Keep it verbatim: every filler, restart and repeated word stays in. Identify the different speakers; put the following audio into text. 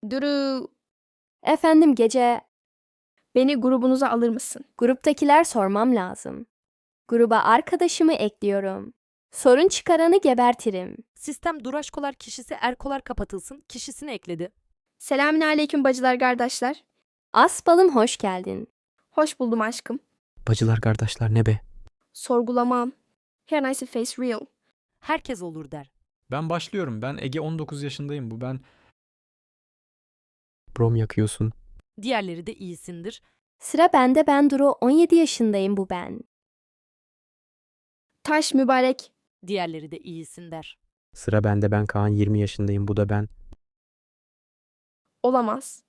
Speaker 1: Duru,
Speaker 2: Efendim Gece,
Speaker 1: beni grubunuza alır mısın?
Speaker 2: gruptakiler sormam lazım. Gruba arkadaşımı ekliyorum. Sorun çıkaranı gebertirim.
Speaker 3: Sistem Duraşkolar kişisi Erkolar kapatılsın kişisini ekledi.
Speaker 1: Selamünaleyküm bacılar kardeşler.
Speaker 2: Asbalım hoş geldin.
Speaker 1: Hoş buldum aşkım.
Speaker 4: Bacılar kardeşler ne be?
Speaker 1: Sorgulamam. Her nice face real.
Speaker 3: Herkes olur der.
Speaker 5: Ben başlıyorum. Ben Ege on dokuz yaşındayım. Bu ben.
Speaker 4: Brom yakıyorsun.
Speaker 3: Diğerleri de iyisindir.
Speaker 2: Sıra bende, ben Duru, on yedi yaşındayım, bu ben.
Speaker 1: Taş mübarek.
Speaker 3: Diğerleri de iyisin der.
Speaker 4: Sıra bende, ben Kaan, yirmi yaşındayım, bu da ben.
Speaker 1: Olamaz.